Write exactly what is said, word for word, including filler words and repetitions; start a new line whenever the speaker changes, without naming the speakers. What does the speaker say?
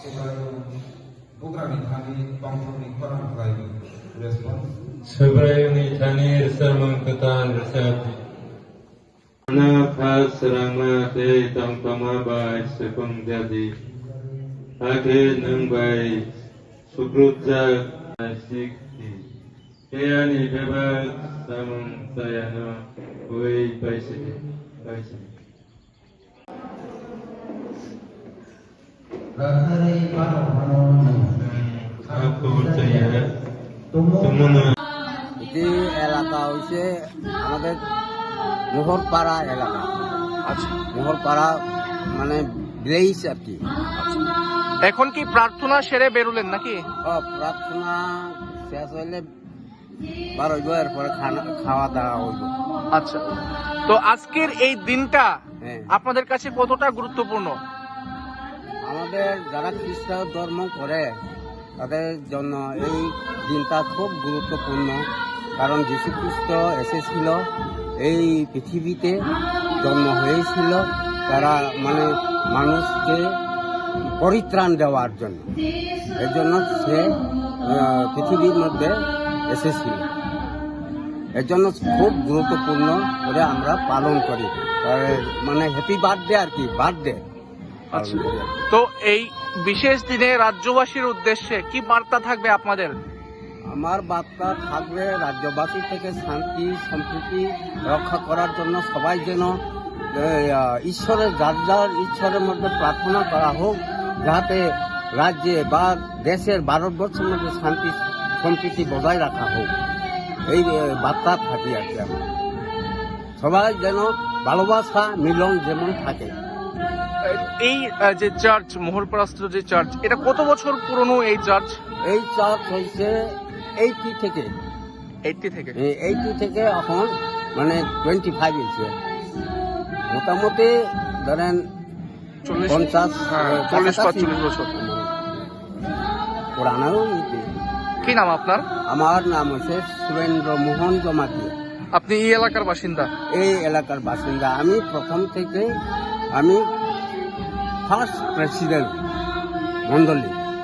Sebrayuni thani sermon ketan resapi. Mana pas serama te tam pama bai sepung jadi. Ake nang bai sukrutja sikti. Keani beba samung sayana oi baisi baisi. Aku percaya semua.
এটি এলাকা হচ্ছে আমাদের মোহরপাড়া এলাকা।
আচ্ছা,
মোহরপাড়া মানে village আর কি।
এখন কি প্রার্থনা সেরে বেরোলেন নাকি?
ও, প্রার্থনা শেষ হইলে বার হইব, এরপরে খাওয়া দাওয়া হইব।
আচ্ছা, তো আজকের এই দিনটা
হ্যাঁ,
আপনাদের কাছে কতটা গুরুত্বপূর্ণ?
আমাদের যারা খ্রিস্টান ধর্ম করে তাদের জন্য এই দিনটা খুব গুরুত্বপূর্ণ। কারণ যীশু খ্রিস্ট এসেছিল এই পৃথিবীতে, জন্ম হয়েছিল তারা মানে মানুষকে পরিত্রাণ দেওয়ার জন্য। এর জন্য সে পৃথিবীর মধ্যে এসেছিল। এর জন্য খুব গুরুত্বপূর্ণ করে আমরা পালন করি, মানে হ্যাপি বার্থডে আর কি, বার্থডে।
আচ্ছা, তো এই বিশেষ দিনে রাজ্যবাসীর উদ্দেশ্যে কি বার্তা থাকবে আপনাদের?
আমার বার্তা থাকবে রাজ্যবাসী থেকে শান্তি সম্প্রীতি রক্ষা করার জন্য সবাই যেন ঈশ্বরের যার যার ঈশ্বরের মধ্যে প্রার্থনা করা হোক, যাতে রাজ্যে বা দেশের ভারতবর্ষের মধ্যে শান্তি সম্প্রীতি বজায় রাখা হোক, এই বার্তা থাকি আর কি। সবাই যেন ভালোবাসা মিলন যেমন থাকে।
এই যে চার্চ, মোহরপাড়াস্থ যে চার্চ, এটা কত বছর পুরনো এই চার্চ?
এই চার্চ হয়েছে এইটি থেকে
এইটি থেকে
এইটি থেকে এখন মানে টোয়েন্টি ফাইভ হয়েছে। মোটামুটি ধরেন
চল্লিশ
পঞ্চাশ
চল্লিশ পাঁচচল্লিশ বছর
পুরানো।
কি নাম আপনার?
আমার নাম হচ্ছে সুরেন্দ্র মোহন জমাতি।
আপনি এই এলাকার বাসিন্দা?
এই এলাকার বাসিন্দা আমি। প্রথম থেকে আমি ফার্স্ট প্রেসিডেন্ট মন্ডলী।